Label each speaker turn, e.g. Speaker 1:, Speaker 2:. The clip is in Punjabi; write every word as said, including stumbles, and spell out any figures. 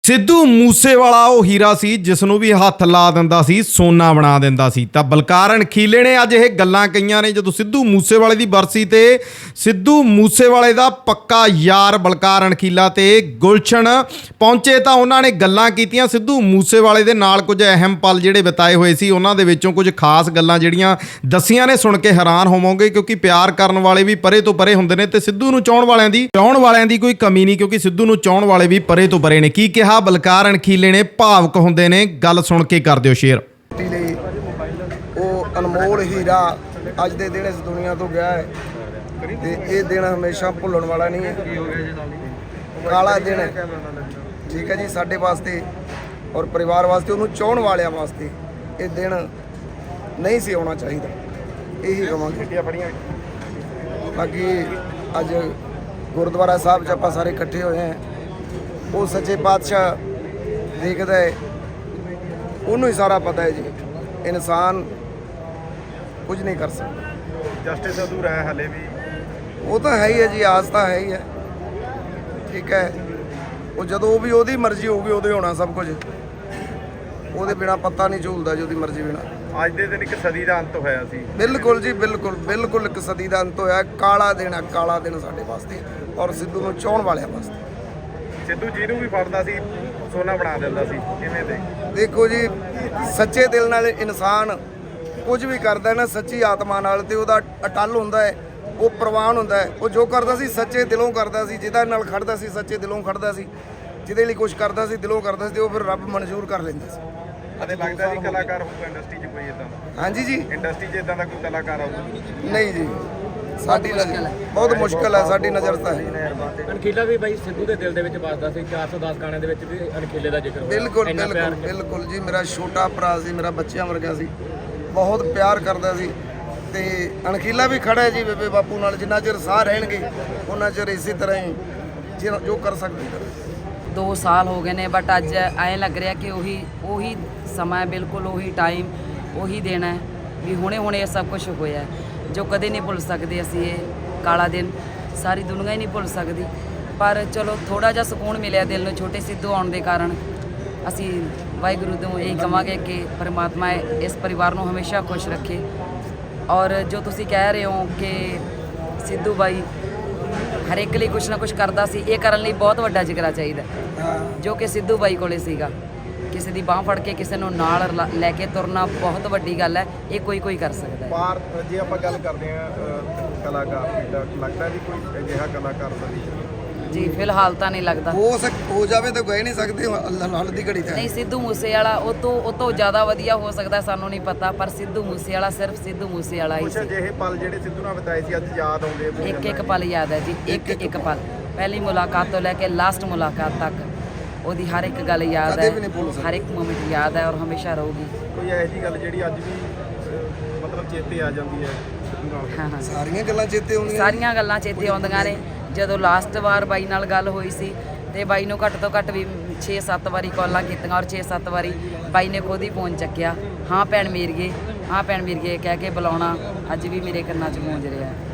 Speaker 1: ਸਿੱਧੂ ਮੂਸੇਵਾਲਾ ਉਹ ਹੀਰਾ ਸੀ ਜਿਸ ਨੂੰ ਵੀ ਹੱਥ ਲਾ ਦਿੰਦਾ ਸੀ ਸੋਨਾ ਬਣਾ ਦਿੰਦਾ ਸੀ। ਤਾਂ ਬਲਕਾਰ ਅਣਖੀਲੇ ਨੇ ਅੱਜ ਇਹ ਗੱਲਾਂ ਕਹੀਆਂ ਨੇ ਜਦੋਂ ਸਿੱਧੂ ਮੂਸੇਵਾਲੇ ਦੀ ਬਰਸੀ ਤੇ ਸਿੱਧੂ ਮੂਸੇਵਾਲੇ ਦਾ ਪੱਕਾ ਯਾਰ ਬਲਕਾਰ ਅਣਖੀਲਾ ਤੇ ਗੁਲਸ਼ਨ ਪਹੁੰਚੇ ਤਾਂ ਉਹਨਾਂ ਨੇ ਗੱਲਾਂ ਕੀਤੀਆਂ ਸਿੱਧੂ ਮੂਸੇਵਾਲੇ ਦੇ ਨਾਲ ਕੁਝ ਅਹਿਮ ਪਲ ਜਿਹੜੇ ਬਿਤਾਏ ਹੋਏ ਸੀ। ਉਹਨਾਂ ਦੇ ਵਿੱਚੋਂ ਕੁਝ ਖਾਸ ਗੱਲਾਂ ਜਿਹੜੀਆਂ ਦੱਸੀਆਂ ਨੇ, ਸੁਣ ਕੇ ਹੈਰਾਨ ਹੋਵੋਗੇ ਕਿਉਂਕਿ ਪਿਆਰ ਕਰਨ ਵਾਲੇ ਵੀ ਪਰੇ ਤੋਂ ਪਰੇ ਹੁੰਦੇ ਨੇ ਤੇ ਸਿੱਧੂ ਨੂੰ ਚਾਹੁਣ ਵਾਲਿਆਂ ਦੀ ਚਾਹੁਣ ਵਾਲਿਆਂ ਦੀ ਕੋਈ ਕਮੀ ਨਹੀਂ, ਕਿਉਂਕਿ ਸਿੱਧੂ ਨੂੰ ਚਾਹੁਣ ਵਾਲੇ ਵੀ ਪਰੇ ਤੋਂ ਪਰੇ ਨੇ। ਕੀ ਕਿਹਾ ਬਲਕਾਰ ਅਣਖੀਲੇ ਨੇ, ਭਾਵਕ ਹੁੰਦੇ ਨੇ, ਗੱਲ ਸੁਣ ਕੇ ਕਰ ਦਿਓ ਸ਼ੇਅਰ।
Speaker 2: ਲਈ ਉਹ ਅਨਮੋਲ ਹੀਰਾ ਅੱਜ ਦੇ ਦਿਨ ਇਸ ਦੁਨੀਆ ਤੋਂ ਗਿਆ ਹੈ ਤੇ ਇਹ ਦਿਨ ਹਮੇਸ਼ਾ ਭੁੱਲਣ ਵਾਲਾ ਨਹੀਂ ਹੈ, ਕਾਲਾ ਦਿਨ ਹੈ। ਠੀਕ ਹੈ ਜੀ, ਸਾਡੇ ਵਾਸਤੇ ਔਰ ਪਰਿਵਾਰ ਵਾਸਤੇ, ਉਹਨੂੰ ਚਾਹੁਣ ਵਾਲਿਆਂ ਵਾਸਤੇ ਇਹ ਦਿਨ ਨਹੀਂ ਸੀ ਆਉਣਾ ਚਾਹੀਦਾ, ਇਹੀ ਕਹਾਂਗੇ। ਬਾਕੀ ਅੱਜ ਗੁਰਦੁਆਰਾ ਸਾਹਿਬ 'ਚ ਆਪਾਂ ਸਾਰੇ ਇਕੱਠੇ ਹੋਏ ਹਾਂ। ਉਹ ਸੱਚੇ ਪਾਤਸ਼ਾਹ ਦੇਖਦਾ ਹੈ, ਉਹਨੂੰ ਹੀ ਸਾਰਾ ਪਤਾ ਹੈ ਜੀ। ਇਨਸਾਨ ਕੁਝ ਨਹੀਂ ਕਰ ਸਕਦਾ,
Speaker 3: ਜਸਟਿਸ ਅਧੂਰਾ ਹੈ ਹਲੇ ਵੀ।
Speaker 2: ਉਹ ਤਾਂ ਹੈ ਹੀ ਹੈ ਜੀ, ਆਸ ਤਾਂ ਹੈ ਹੀ ਹੈ। ਠੀਕ ਹੈ, ਉਹ ਜਦੋਂ ਵੀ ਉਹਦੀ ਮਰਜ਼ੀ ਹੋਊਗੀ ਉਦੋਂ ਹੋਣਾ ਸਭ ਕੁਝ, ਉਹਦੇ ਬਿਨਾ ਪਤਾ ਨਹੀਂ ਝੂਲਦਾ ਜੀ, ਉਹਦੀ ਮਰਜ਼ੀ ਬਿਨਾ।
Speaker 3: ਅੱਜ ਦੇ ਦਿਨ ਇੱਕ ਸਦੀ ਦਾ ਅੰਤ ਹੋਇਆ ਸੀ।
Speaker 2: ਬਿਲਕੁਲ ਜੀ, ਬਿਲਕੁਲ ਬਿਲਕੁਲ ਇੱਕ ਸਦੀ ਦਾ ਅੰਤ ਹੋਇਆ। ਕਾਲਾ ਦਿਨ ਹੈ, ਕਾਲਾ ਦਿਨ ਸਾਡੇ ਵਾਸਤੇ ਔਰ ਸਿੱਧੂ ਨੂੰ ਚਾਹੁਣ ਵਾਲਿਆਂ ਵਾਸਤੇ।
Speaker 3: ਸਿੱਧੂ ਜਿਹਨੂੰ ਵੀ ਫੜਦਾ ਸੀ ਸੋਨਾ ਬਣਾ ਦਿੰਦਾ ਸੀ। ਕਿਵੇਂ ਦੇ
Speaker 2: ਦੇਖੋ ਜੀ, ਸੱਚੇ ਦਿਲ ਨਾਲ ਇਨਸਾਨ ਕੁਝ ਵੀ ਕਰਦਾ ਨਾ, ਸੱਚੀ ਆਤਮਾ ਨਾਲ, ਤੇ ਉਹਦਾ ਅਟੱਲ ਹੁੰਦਾ ਹੈ, ਉਹ ਪ੍ਰਵਾਨ ਹੁੰਦਾ ਹੈ। ਉਹ ਜੋ ਕਰਦਾ ਸੀ ਸੱਚੇ ਦਿਲੋਂ ਕਰਦਾ ਸੀ, ਜਿਹਦਾ ਨਾਲ ਖੜਦਾ ਸੀ ਸੱਚੇ ਦਿਲੋਂ ਖੜਦਾ ਸੀ, ਜਿਹਦੇ ਲਈ ਕੁਝ ਕਰਦਾ ਸੀ ਦਿਲੋਂ ਕਰਦਾ ਸੀ, ਤੇ ਉਹ ਫਿਰ ਰੱਬ ਮਨਜ਼ੂਰ ਕਰ ਲੈਂਦਾ ਸੀ।
Speaker 3: ਅਤੇ ਲੱਗਦਾ ਜੀ ਕਲਾਕਾਰ ਹੋਊਗਾ ਇੰਡਸਟਰੀ 'ਚ ਕੋਈ ਇਦਾਂ ਦਾ?
Speaker 2: ਹਾਂਜੀ ਜੀ,
Speaker 3: ਇੰਡਸਟਰੀ 'ਚ ਇਦਾਂ ਦਾ ਕੋਈ ਕਲਾਕਾਰ ਆਊਗਾ?
Speaker 2: ਨਹੀਂ ਜੀ, ਸਾਡੀ ਨਜ਼ਰ ਬਹੁਤ ਮੁਸ਼ਕਿਲ ਹੈ, ਸਾਡੀ ਨਜ਼ਰ ਤਾਂ ਹੈ।
Speaker 4: ਅਣਖੀਲਾ ਵੀ ਬਾਈ ਸਿੱਧੂ ਦੇ ਦਿਲ ਦੇ ਵਿੱਚ ਵੱਸਦਾ ਸੀ। ਚਾਰ ਸੌ ਦਸ ਗਾਣਿਆਂ ਦੇ ਵਿੱਚ ਵੀ ਅਣਖੀਲੇ ਦਾ ਜ਼ਿਕਰ ਹੋਇਆ।
Speaker 2: ਬਿਲਕੁਲ ਬਿਲਕੁਲ ਬਿਲਕੁਲ ਜੀ, ਮੇਰਾ ਛੋਟਾ ਭਰਾ ਸੀ, ਮੇਰਾ ਬੱਚਿਆਂ ਵਰਗਾ ਸੀ, ਬਹੁਤ ਪਿਆਰ ਕਰਦਾ ਸੀ। ਤੇ ਅਣਖੀਲਾ ਵੀ ਖੜਾ ਹੈ ਜੀ ਬੇਬੇ ਬਾਪੂ ਨਾਲ, ਜਿੰਨਾ ਚਿਰ ਸਾਹ ਰਹਿਣਗੇ ਉਹਨਾਂ ਚਿਰ ਇਸੇ ਤਰ੍ਹਾਂ ਹੀ ਜਿ- ਜੋ ਕਰ ਸਕਦੇ ਕਰੇ।
Speaker 5: ਦੋ ਸਾਲ ਹੋ ਗਏ ਨੇ, ਬਟ ਅੱਜ ਐਂ ਲੱਗ ਰਿਹਾ ਕਿ ਉਹੀ ਉਹੀ ਸਮਾਂ, ਬਿਲਕੁਲ ਉਹੀ ਟਾਈਮ, ਉਹੀ ਦਿਨ ਹੈ ਵੀ ਹੁਣੇ ਹੁਣੇ ਇਹ ਸਭ ਕੁਝ ਹੋਇਆ, ਜੋ ਕਦੇ ਨਹੀਂ ਭੁੱਲ ਸਕਦੇ ਅਸੀਂ। ਇਹ ਕਾਲਾ ਦਿਨ ਸਾਰੀ ਦੁਨੀਆ ਹੀ ਨਹੀਂ ਭੁੱਲ ਸਕਦੀ, ਪਰ ਚਲੋ ਥੋੜ੍ਹਾ ਜਿਹਾ ਸਕੂਨ ਮਿਲਿਆ ਦਿਲ ਨੂੰ ਛੋਟੇ ਸਿੱਧੂ ਆਉਣ ਦੇ ਕਾਰਨ। ਅਸੀਂ ਵਾਹਿਗੁਰੂ ਤੋਂ ਇਹੀ ਕਹਾਂਗੇ ਕਿ ਪਰਮਾਤਮਾ ਇਸ ਪਰਿਵਾਰ ਨੂੰ ਹਮੇਸ਼ਾ ਖੁਸ਼ ਰੱਖੇ। ਔਰ ਜੋ ਤੁਸੀਂ ਕਹਿ ਰਹੇ ਹੋ ਕਿ ਸਿੱਧੂ ਬਾਈ ਹਰ ਇੱਕ ਲਈ ਕੁਛ ਨਾ ਕੁਛ ਕਰਦਾ ਸੀ, ਇਹ ਕਰਨ ਲਈ ਬਹੁਤ ਵੱਡਾ ਜਿਗਰਾ ਚਾਹੀਦਾ, ਜੋ ਕਿ ਸਿੱਧੂ ਬਾਈ ਕੋਲੇ ਸੀਗਾ। ਕਿਸੇ ਦੀ ਬਾਂਹ ਫੜ ਕੇ ਕਿਸੇ ਨੂੰ ਨਾਲ ਲ- ਲੈ ਕੇ ਤੁਰਨਾ ਬਹੁਤ ਵੱਡੀ ਗੱਲ ਹੈ, ਇਹ ਕੋਈ ਕੋਈ ਕਰ ਸਕਦਾ ਹੈ।
Speaker 3: ਪਰ ਜੇ ਆਪਾਂ ਗੱਲ ਕਰਦੇ ਹਾਂ ਕਲਾਕਾਰ ਦੀ, ਤਾਂ ਲੱਗਦਾ ਵੀ ਕੋਈ ਅਜਿਹਾ ਕਲਾਕਾਰ ਸਦੀ 'ਚ
Speaker 5: ਜੀ ਫਿਲਹਾਲ ਤਾਂ ਨਹੀਂ ਲੱਗਦਾ।
Speaker 2: ਹੋ ਸਕ ਹੋ ਜਾਵੇ ਤਾਂ ਕਹਿ ਨਹੀਂ ਸਕਦੇ, ਅੱਲਾ ਨਾਲ ਦੀ ਘੜੀ ਤਾਂ
Speaker 5: ਨਹੀਂ, ਸਿੱਧੂ ਮੂਸੇਵਾਲਾ ਉਹ ਤੋਂ ਉਹ ਤੋਂ ਜ਼ਿਆਦਾ ਵਧੀਆ ਹੋ ਸਕਦਾ, ਸਾਨੂੰ ਨਹੀਂ ਪਤਾ, ਪਰ ਸਿੱਧੂ ਮੂਸੇਵਾਲਾ ਸਿਰਫ ਸਿੱਧੂ ਮੂਸੇਵਾਲਾ ਹੀ
Speaker 3: ਕੁਛ
Speaker 5: ਸੀ।
Speaker 3: ਅਜਿਹੇ ਪਲ ਜਿਹੜੇ ਸਿੱਧੂ ਨਾਲ ਬਿਤਾਏ ਸੀ ਅੱਜ ਯਾਦ ਆਉਂਦੇ ਆ।
Speaker 5: ਇੱਕ ਇੱਕ ਪਲ ਯਾਦ ਹੈ ਜੀ, ਇੱਕ ਇੱਕ ਪਲ, ਪਹਿਲੀ ਮੁਲਾਕਾਤ ਤੋਂ ਲੈ ਕੇ ਲਾਸਟ ਮੁਲਾਕਾਤ ਤੱਕ ਉਹਦੀ ਹਰ ਇੱਕ ਗੱਲ ਯਾਦ
Speaker 2: ਕਦੇ
Speaker 5: ਹੈ,
Speaker 2: ਵੀ ਨਹੀਂ ਭੁੱਲ ਸਕਦੇ।
Speaker 5: ਹਰ ਇੱਕ ਮੂਮੈਂਟ ਯਾਦ ਹੈ ਔਰ ਹਮੇਸ਼ਾ ਰਹੂਗੀ।
Speaker 3: ਕੋਈ ਇਹੋ ਜਿਹੀ ਗੱਲ ਜਿਹੜੀ ਅੱਜ ਵੀ ਅਹ, ਮਤਲਬ ਚੇਤੇ ਆ ਜਾਂਦੀ ਹੈ ਸਿੱਧੂ ਨਾਲ?
Speaker 5: ਹਾਂ ਹਾਂ,
Speaker 2: ਸਾਰੀਆਂ ਗੱਲਾਂ ਚੇਤੇ ਆਉਂਦੀਆਂ।
Speaker 5: ਸਾਰੀਆਂ ਗੱਲਾਂ ਚੇਤੇ ਆਉਂਦੀਆਂ ਨੇ। ਜਦੋਂ ਲਾਸਟ ਵਾਰ ਬਾਈ ਨਾਲ ਗੱਲ ਹੋਈ ਸੀ ਤੇ ਬਾਈ ਨੂੰ ਘੱਟ ਤੋਂ ਘੱਟ ਵੀ ਛੇ ਸੱਤ ਵਾਰੀ ਕਾਲਾਂ ਕੀਤੀਆਂ ਔਰ ਛੇ ਸੱਤ ਵਾਰੀ ਬਾਈ ਨੇ ਖੁਦ ਹੀ ਫੋਨ ਚੱਕਿਆ, ਹਾਂ ਭੈਣ ਮੇਰੀਏ, ਹਾਂ ਭੈਣ ਮੇਰੀਏ ਕਹਿ ਕੇ ਬੁਲਾਉਣਾ ਅੱਜ ਵੀ ਮੇਰੇ ਕੰਨਾਂ 'ਚ ਗੂੰਜ ਰਿਹਾ।